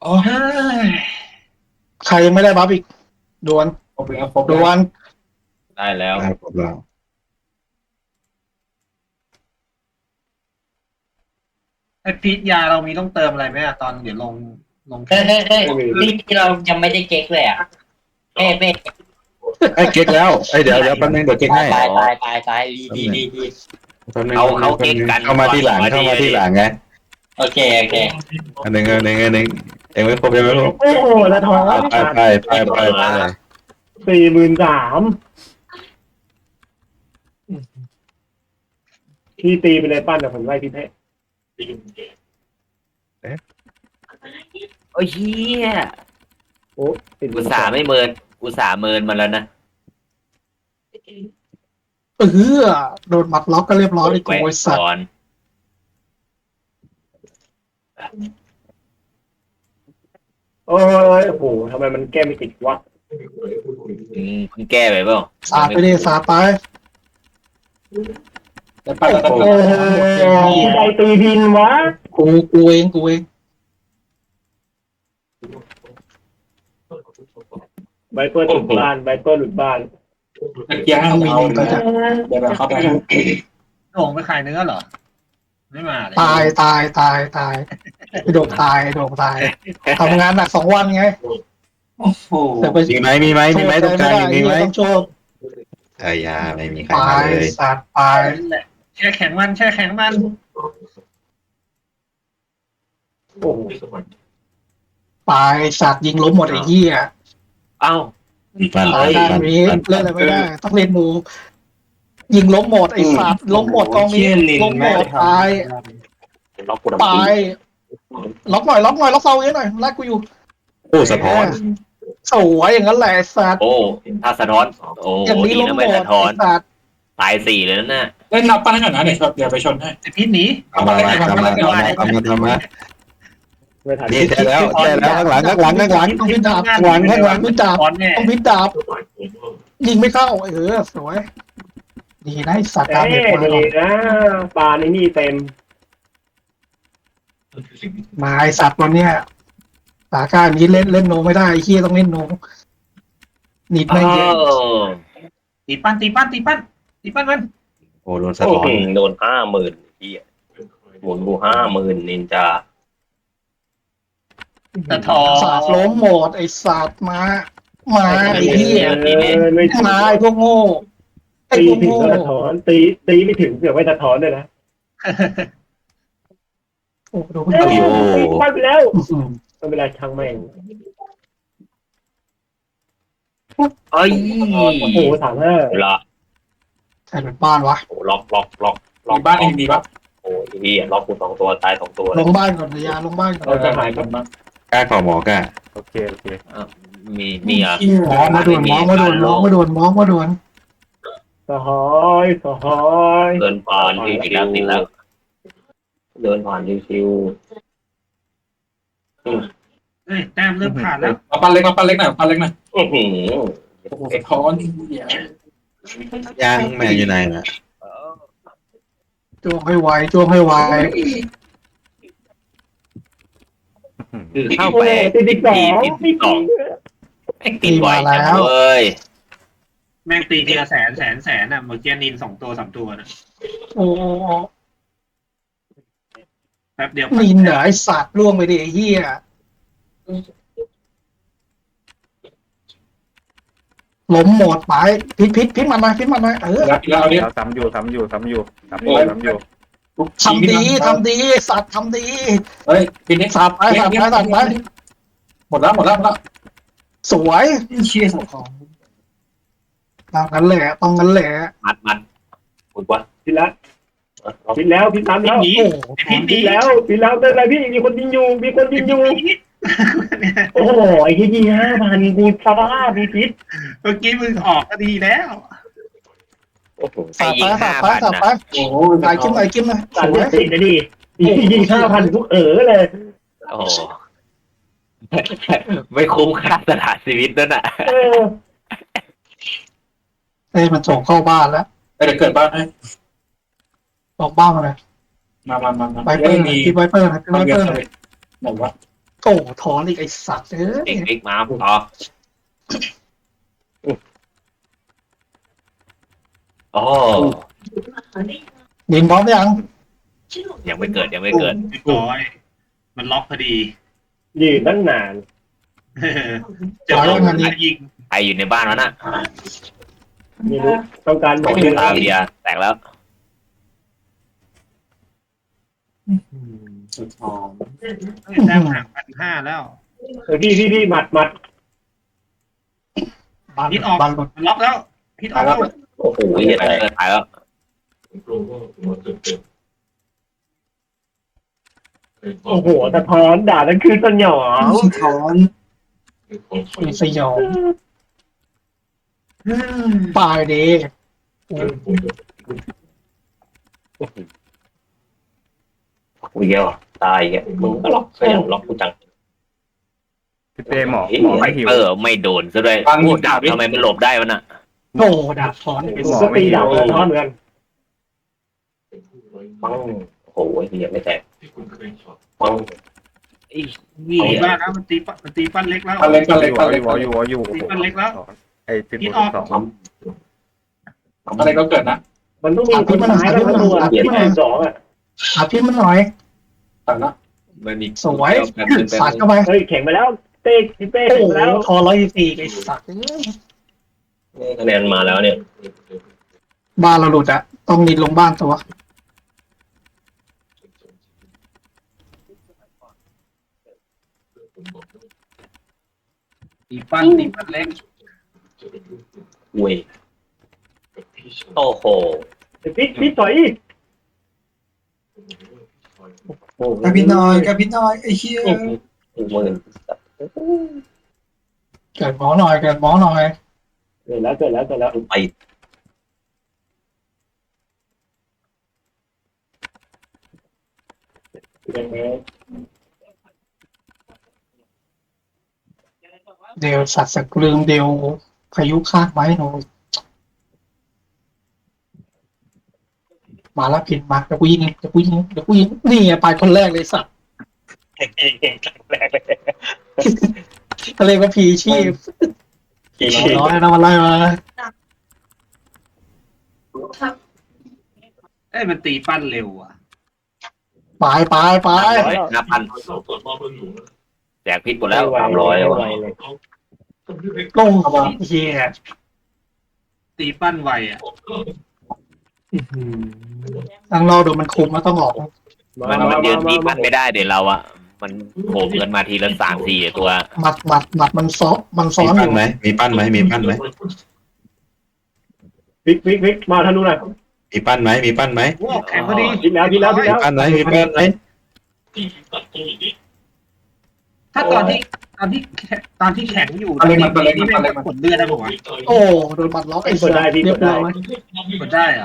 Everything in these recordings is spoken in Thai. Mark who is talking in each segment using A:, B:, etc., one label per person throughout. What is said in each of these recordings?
A: โอ้ยใครยังไม่ได้บัฟอีกดวน
B: ครบแล้วครบ
A: ด
B: แล้ว
A: วน
C: ได้แล้ว
D: ได้ครบแล้ว
E: ไอพีทยาเรามีต้องเติมอะไรไหมอะตอนเดี๋ยวลง
F: เฮ้ยที่เรายังไม่ได้เก๊กเลยอ่ะเฮ้ยเฮ้ย
D: ไอ้ยเก๊กแล้วไอ้ยเดี๋ยวแป๊บนึงเดี๋ยวเก๊กให้
F: ตายดี
D: แป๊บนึง
C: เขาเก๊กกัน
D: เข้ามาที่หลังไง
F: โอเค
D: อันหนึ่งเองไม่ครบยังไม่ครบ
B: โอ้โหละท้อง
D: ไป
B: 43,000พี่ตีไปเลยปั้นแต่ผมไล่พี่ให้
C: โอ้ยเฮีย
B: โอ้ติด
C: อุตส่าห์ไม่เมินอุตส่าห์เมินมาแล้วนะ
A: โดนหมัดล็อกก็เรียบร้อยเลยโกยสัตว์
C: ก่อน
B: โอ้ยโอ้โหทำไมมันแก้ไม่ติดวะ
C: เพิ่งแก้ไปเปล่า
A: สาดไปดิสาดไป
B: แต่ปั้นแล้วก็พี่ใดตีพินวะ
A: กูเอง
B: ไบเปอร์หลุดบ้านไบเปอร์หลุดบ้าน
A: ต้องมีนินก็จะ
B: เดี๋ยวเข้าไป
E: โด่งไปขายเนื้อเหรอ ไม่มาเลย
A: ตายไอ้โด่งตายทำงานหนัก2 วันไง
E: โอ้โห
A: แต่ไป
D: มีไหมตรงกลางมีไหม
A: ต้องโชว์
D: ไอ้ยาไม่มีใคร
A: ไป
D: มาเลย
A: สาดไป
E: นั่นแหละแช่แข็งมัน
B: โอ้โห
A: ไปสาดยิงล้มหมดไอ้เหี้ย
C: เอ้า
D: ปั้น
A: ตายด้านนี้เล่นอะไรไม่ได้ต้องเล่นมูยิงล้มหมดไอ้สัตว์ล้มหมดกองนี้ล้มหมดตายไปล็อกหน่อยล็อกเซาเยอะหน่อยไล่กูอยู่
D: โอ้สะท้อน
A: สวยอย่างนั้นแหละไอ้สัตว์
C: โอ้ถ้าสะท้อนโอ้
A: อย่างนี้
C: ดี
A: ล้ม
C: นะ
A: หม
C: ไม่
A: ด
C: สะท้อน
A: ไอ้สัตว์
C: ตาย4เลยนะน่ะ
G: เล่นนับปั้นให้หน่อยนะเดี๋ยวไปชนให้
E: ไอพีทหนี
D: ทำมา
B: ไม่ทัน
D: นี่ใช่แล้วข้างหลัง
A: ต้องพิดาบ
D: ข้างหลัง
A: พิดาบ
E: ตอนเนี่ย
A: ต้องพิดาบยิงไม่เข้าสวยดีนะไอ้สัตว์
B: เอ้
A: ตามเด็กมาหร
B: ดี
A: อก
B: นะปลาในนี่เต็ม
A: มาไอ้สัตว์วันเนี้ยสาการนี้เล่นโนไม่ได้ไอ้เหี้ยต้องเล่นโนหนีบ
C: โอ้
A: ไม่เยอะ
E: ตีปั้นมัน
D: โอ้โดนสะท้อน
C: โดน50,000พี่หมุนกู50,000นินจา
E: ตะทอ
A: สาดล้มหมดไอ้สัตว์มาไอ้เหี้ย
B: ไม่
A: มาไอ้พวกโง่ไอ้
B: ตี
A: พวก
B: ถึง
A: โง่
B: ก็สะท้อนตีไม่ถึงเสือกไม่สะท้อนด้วยนะ
A: โอ้โห
B: ปั้นไปแล้วไม่เป็นไรช่างแม่ง
C: เอ้ย
B: โอ้โห35
C: ล็อก
A: ใครเป็นบ้านวะ
C: ล็อก
G: มีบ้านเองดีป่ะ
C: โอ้ยพี่ล็อกกู2 ตัวตาย2 ตัว
A: ลงบ้านก่อนเลยยาลงบ้านก่อน
B: เราจะหายกัน
D: กล้าขอหมอกล้า
G: โอเค
C: มีเหรอ
A: มองมาด่วน
B: สหอยสหอย
C: เดินผ่านติดแล้วเดินผ่านชิว
E: เฮ้ยแต้มเริ่มขาดแล้ว
G: เอาปั้นเล็กหน่อยปั้นเล็กหน่อย
C: ๆอื้อหือ
G: โอ้โหสะท้อนเหี้ย
D: ย่างแม่อยู่ไหนน่ะ
A: จ้วงให้ไว
C: คือเข้าไป
B: ตีดิสอง
C: ติดบ่อยจังเว้ย
E: แม่งตีทีละแสนอ่ะเมื่อกี้นิน2 ตัว 3 ตัวนะ
A: โอ้
E: แป๊บเดียว
A: นินเหรอไอ้สัตว์ล่วงไปดิไอ้เหี้ยล้มหมดไปพิษมันหน่อย
G: แล้วเอาดิ
H: ทำอยู่
A: ทำดีสัตว์ทำดี
G: เฮ้ยปีนี้
A: สัตว์ไป
G: หมดแล้ว
A: สวย
G: เชี่ยสะท้อน
A: ต้องงั้นแหละ
C: มัดหมุนวะ
B: พิดแล้วพิดแล้วพิดตามแล้ว
E: หนี
A: โอ้
E: ไอพีทหนี
B: พิดแล้วเป็นไรพี่มีคนยิงอยู่โอ้โหไอ้ที่ยิง5,000กูสภาพมีพิษ
E: เมื่อกี้มึงออกก็ดีแล้ว
C: โอ้โห
A: สัตว์ไป
G: โอ้โห
A: ไอ้กิ้มนะส
B: สั่น
A: วย
B: ติดนะดิยิง5,000ทุกเลย
C: โอ้โหไม่คุ้มค่าสละชีวิตนั่นน่ะ
A: มันส่งเข้าบ้านแล้ว
G: เดี๋ยวเกิดบ้านให้
A: ส่งบ้านมาเลย
G: มา
A: ไวเปอร์คิดไวเปอร์นะ
G: ไหนวะ
A: โอ้ถอนอีกไอ้สัตว์เอ้ย
C: ติ๊กมาต่อโอ้
A: ดินพร้อมยัง
C: ยังไม่เกิด
E: เรียบร้อยมันล็อกพอดี
B: ยืนตั้งนาน
E: เจอลมยิง
C: ใครอยู่ในบ้านวะน่ะ
B: ไม่รู้ต้องการหมอยืน
C: ตาเบียร์แตกแล้ว
G: สุดหอม
E: แต้มห่าง1,500แล้ว
B: พี่หมัด
A: บาน
E: พิษออก
A: บานหลุด
E: มันล็อกแล้วพิษออกแล้ว
C: โอ้โหเหี้ยตายแล้ว
B: โอ้โหสะท้อนด่าทั้งคืนสยอง
G: สะท้อน
A: มีสยองปลายเด
C: กูเยอะตายแกมึงก็ล็อกขยันล็อกกูจัง
H: พี่เต้หมอไม่หิว
C: ไม่โดนซะด้วยโอ้ดาบทำไมมันหลบได้วะน่ะ
A: โอ้ดาบถอน
B: ก็ตีด่าสะท้อนเหมือนกัน
C: ปังโอ้โหเหี้ยไม่แตกปังไอ้เหี้
E: ตี
C: ย
E: บ้านแล้วมันตีปั้นเล็กแล้ว
G: กันเล็กกันเล็กกันเล็ก
H: อยู่
E: ตีปั้นเล็กแล้ว
H: ไอ้พิษ
E: พิษ
H: บ
E: อ
H: ว
E: อก ก
H: สอง
G: อะไรก็เกิดนะ
B: มันต้องมีคนท้ายแล้วตัวที่สองอ่ะ
A: อาพี่มันหน่อย
G: ตัดละ
D: มันมี
A: สวยสาดเข้าไป
B: เฮ้ยแข่งไปแล้วเต้พี่เป้
A: โอ้
B: แข่ง
A: โห
B: ไปแล้ว
A: ทอ124ไอ้สัตว์
C: คะแนนมาแล้วเนี่ย
A: บ้านเราหลุดอะต้องนิดลงบ้านตัว
E: ตีปั้นเล็ก
C: เว้ยโอ้โห
B: พี่ถอย
G: กระพินน้อยกระพินน้อยไอ้เหี้ย
C: หมื่น
A: เกิดหมอหน่อยเกิดหมอหน่อย
B: เกิดแล้ว
C: ไป
A: เดี๋ยวสัตว์สกลืมเดี๋ยวพายุคาดไว้หนูมาแล้วพินมาเดี๋ยวกูยิงนี่ไงไปคนแรกเลยสัตว์
B: แรกเลย
A: เขาเรียกว่าพีชีพน้อยนะมาไล่มา
E: เอ้ยมันตีปั้นเร็วอ่ะ
A: ไป
C: 5,000แจกพิษหมดแล้ว300แล้ว
A: ลงเฮีย
E: ตีปั้นไวอ่ะ
A: ทางเราเดี๋ยวมันคุมแล้วต้องออก
C: มันยืนตีปั้นไม่ได้เดี๋ยวเราอะมันโผล่เงินมาทีละ3-4ตัว
A: หมัดมันซ้อน
D: มี
A: อ
D: ปั้น
A: ยู่
D: ไหมมีปั้นไหมมีปั้นไหม
B: วิกมาทะลุหน่อย
D: มีปั้นไหมมีปั้นไหม
E: โอ้แข็งพอดี
B: พี่แล้ว
D: มีปั้นไหมมีปั้นไหม
E: ถ้าตอนที่แข็งอยู่นี่ไม่กดเลือดได้ป่าวะ
A: โอ้โดนหมัดล็อกไอ้สัตว์เรียบร้อย
E: กดได้เหรอ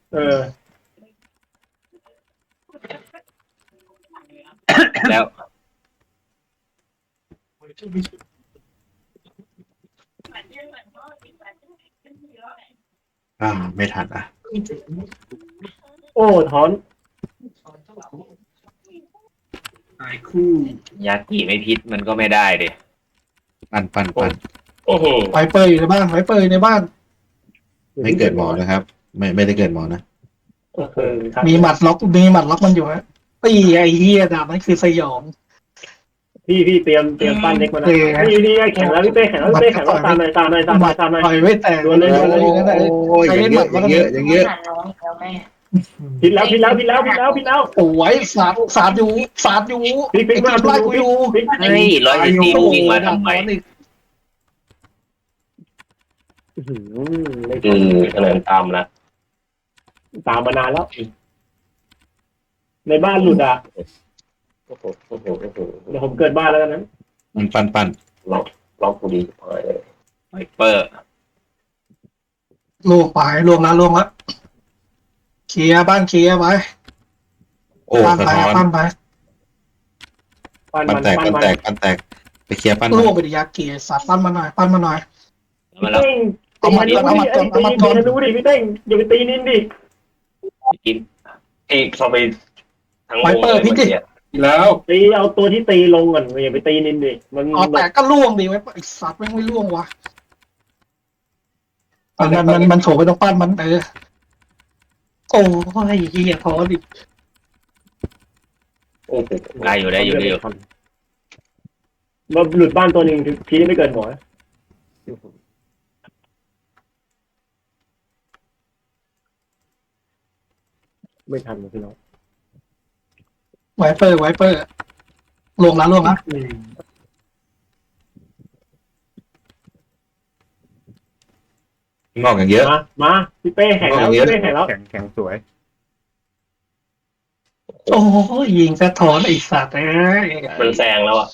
C: แล้ว
D: ไม่ทันอ่ะ
B: โอ้ถอน
E: หายคู่
C: ยากิไม่พิษมันก็ไม่ได้ดิ
D: ปั้น
C: โอ้โห
A: ไวเปอร์อยู่ในบ้าน
D: ไม่เกิดหมอนะครับ ไม่ได้เกิดหมอนะ
A: มีหมัดล็อกมันอยู่ฮะตีไอ้เฮียดาบนั่นคือสยอง
B: พี่เตรียมปั้นเล็กมาแล้วนี่แข่งแล้วพี่เป้แข่งแล้วตามหน่อย
A: ต่อยไม่แตก
B: โดนเลย
D: โอ้ยอย่างเยอะอย่างเยอะ
B: ผิดแล้ว
A: โอ้ยสาดอยู่
B: พี่มา
A: ไล่กูอยู่
C: เฮ้ย114วิ่งมาทำไมคะแนนตามแล้ว
B: ตามมานานแล้ว ในบ้านหลุดอ่ะ
C: โอ้โห
B: เดี๋ยวผมเกิดบ้านแล้วนั้น
D: มันปั้น
C: ล็อกกูดีพอเลยไวเปอร์
A: ล่วงแล้วเคลียร์บ้านเคลียร์ไป
D: โอ้สะท้อน
A: ปั้นไป
D: ปั้นแตกไปเคลียร์ปั้น
A: ล่วงไปดิยาเกียร์สัตว์ปั้นมาหน่อย
C: มาแล้ว
B: ดูดิพี่เต้งอย่าไปตีนินดิ
C: กินเอกเข้าไปทั้ง
A: ไวเปอร์พี่ดิ
G: แล้ว
B: ตีเอาตัวที่ตีลงก่อนอย่าไปตีนินดิมัน
A: อ๋อแต่ก็ล่วงดีไว้ไอ้สัตว์แม่งไม่ล่วงวะมันโฉบไปตรงปั้นมันโอ้ยเหี้ยท้อดิ
B: โอ้โห
C: ได้อยู่ได้อยู่ได้อยู่
B: มันหลุดบ้านตัวหนึ่งทีนี้ไม่เกินหัวไม่ทันเลยพี่น้อง
A: ไวเปอร์ลงแล้ว
D: งอกอย่างเยอะ
B: มาพี่เป้แข่งแล้วพี่เป้แข่งแล้ว
H: แข็งสวย
A: โอ้ยยิงสะท้อนไอ้สัตว์เอ้ย
B: มันแซงแล้วอ่ะ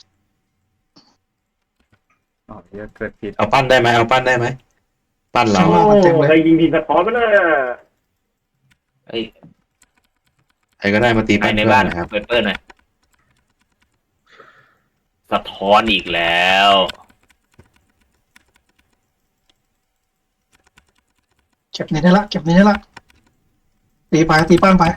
H: อ๋อเยอะเกิดผิด
D: เอาปั้นได้ไหมเอาปั้นได้ไหมปั้นเรา
B: โอ้ใครยิงทีมสะท้อนมันน่ะ
C: เอ้ย
D: ใครก็ได้มาตี
C: ใคร
D: ปั้น
C: ใน
D: เพื่อ
C: บ้าน
D: นนะครับ
C: เปิดหน่อยสะท้อนอีกแล้ว
A: เก็บนี้ได้ละตีปั้นไป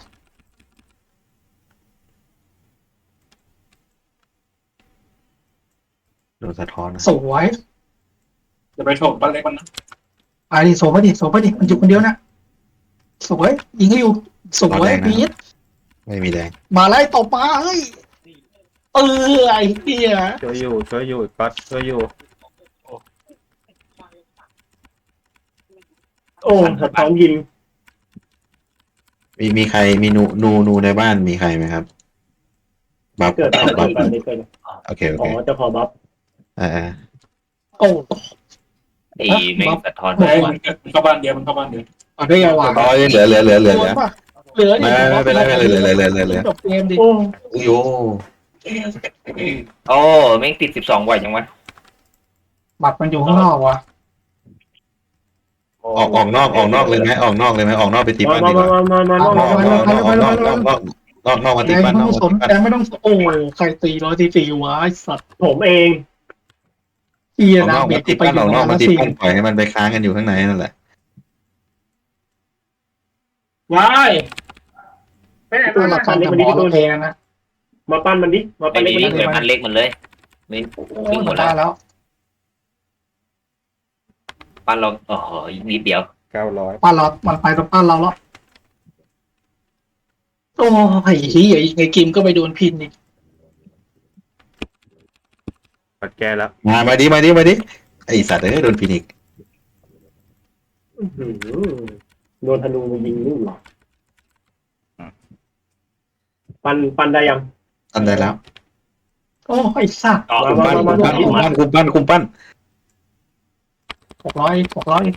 D: โดนสะท้อนนะ
A: สวย
G: จะไปโฉบบ้านเล็กมันนะ
A: ไปดิโสไปดิมันอยู่คนเดียวนะสวยยิงให้อยู่สวยพีท
D: ไม่มีแดง
A: มาไล่ตบมาเฮ้ยไอ้เหี้ย
H: ช่วยอยู่ก็ช่วยอยู่
B: โอ้สะท้อนยิง
D: มีใครมีนูในบ้านมีใครไหมครับบัฟ
B: เกิด
D: บัฟ
B: ไม่เกิด
D: โอเค
B: อ๋อจะขอบัฟ
D: อ่า
A: โอ้
C: ไอ้แม่งสะท้อน
G: เฮ้ยมันเข้าบ้านเดียวมันเข้าบ้านเดียว
A: เอาได้ยังวะ
D: อ๋อเหลือ
A: เหลือ
D: ไม่
A: ดิ
D: เป็นไรเหลือ
A: จบเกมดิ
B: โอ้
D: อุ้ยโอ้
C: โอ้แม่งติด12ไหวจังวะ
A: บัตรมันอยู่ข้างนอกวะ
D: ออกนอกเลยไหมออกนอกไปตีปั้นดีกว่า
B: มา
D: นอกมา
A: แด
D: ตี
A: ง
D: ปั้น
A: ไม่
D: น
A: ต้
D: อ
A: อก งสนแดงไม่ต้องโอ้ใครตี144วะไอ้สัตว์
B: ผมเอง
A: เหี้ย
D: ออก
A: นะ
D: นอก
A: เบี
D: มาย
A: ด
D: ตี
A: ไป
D: ปั้น
A: อยู่
D: ออกนอก
A: มา
D: มาตี
A: สี่
D: ปั้นปล่อยให้มันไปค้างกันอยู่ข้างในนั่นแหละ
E: ว้ายไปไหน
A: ตัว
E: มา
A: ละครจะหมอเราแทนนะ
B: มาปั้นมันดิมา
C: ไอ้
B: ปั้นเล็ก
C: นี่
B: มัน
C: เหมือนพันเล็กมันเลยไม่
A: โอ้
C: ทิ้ง
A: ย
C: หมด
A: ได้
C: แล้ว
A: แล้ว
C: ปั้นเราโอ้โหอีกนิดเดียว
H: 900
A: ปั้นเรามันไปตรงปั้นเราแล้วโอ้ยเหี้ยไงกิมก็ไปโดนพินอีก
H: ปัดแก้แล้ว
D: มาดิไอสัตว์โดนพินิก
B: โดนธนูยิงลูกหรอปั้นได้ยัง
D: อันได้แล้ว
A: โอ้ไอ้สัตว์
D: คุมปั้น
A: 600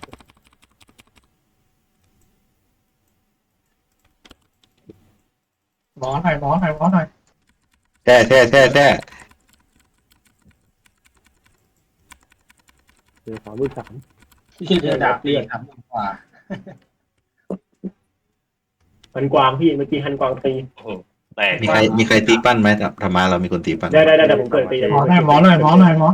A: หมอหน่อย
D: แช่
B: เดี๋ยว3,300
E: ที่เดือดาบเรียกทำกว่า
B: ฮันกวางพี่เมื่อกี้ฮันกวางตี
C: แต่
D: มีใครตีปั้นไหมธรรมะเรามีคนตีปั้น
B: ได้ผมเกิดตี
A: หมอหน่อย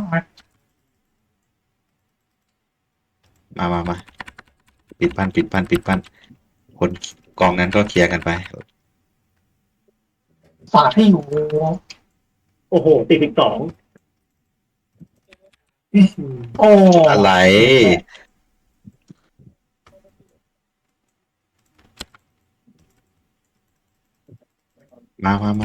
D: มาปิดปั้นคนกองนั้นก็เคลียร์กันไป
A: ฝากให้อยู่
B: โอ้โหตี12
A: โอ้
D: อะไรมา
C: กันมา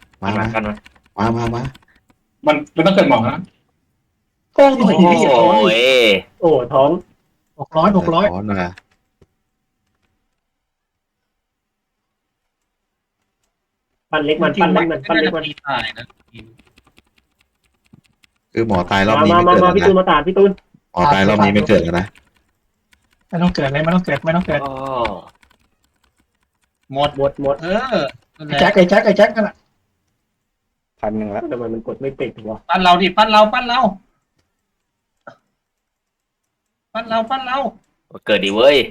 G: มันไม่ต้องเกิดหมองนะ
A: โอ้
C: โอ้
A: ย
C: ย
B: โอ้ท้อง
A: 600
D: ถอนมา
B: ปั้นเล็กมัน
E: ตายนะ
D: คือหมอตายรอบนี้ไม่เกิด
B: มาพี่ตูนมาตาพี่ตูน
D: หมอตายรอบนี้ไม่เกิดแล้วนะ
A: ไม่ต้องเกิด
C: โอ้
E: หมด
A: ไอ้แจ็คนั่นแหละ
H: 1,000แล้ว
B: ทำไมมันกดไม่ติดวะ
E: ปั้นเราดิปั้นเรา
C: เกิดดีเว้ย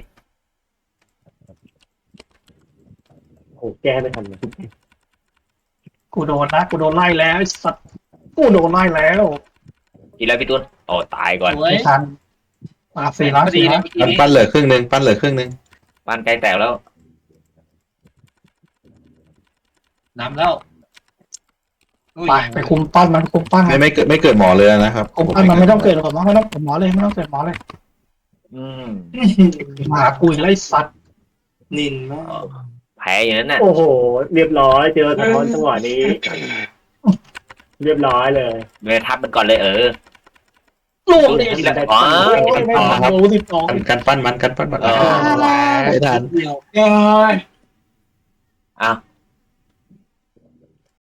B: โอ้แก้ไม่ทันเลย
A: กูโดนไล่แล้วไอ้สัตว์กูโดนไล่แล้ว
C: ทีแล้วพี่ตุ้นโอ้ตายก่อน
E: สวย
A: ไม่ทันมา4 ล้าน
D: ปั้นเหลือครึ่งนึง
C: บ้านใกล้แตกแล้ว
E: นำแล้ว
A: ไปคุมปั้นมันคุมปั้นมัน
D: ไม่เกิดหมอเลยนะครับ
A: คุมปั้นมันไม่ต้องเกิดหรอกไม่ต้องหมอเลยไม่ต้องเกิดหมอเลย
C: อืม
A: หมากุยไล่สัตว์
G: นินมาก
C: แพ้อย่างนั้นน่ะ
B: โอ้โห เรียบร้อยเจอสะท้อนจังหวะนี้ เรียบร้อยเลย
C: เลยทับมันก่อนเลย
A: ล่วงเลย
C: ทีละอ๋อ
A: ไม่รู้สิบสอง
D: กันปั้นมันไม่ทัน
E: เดียว
C: อ้าว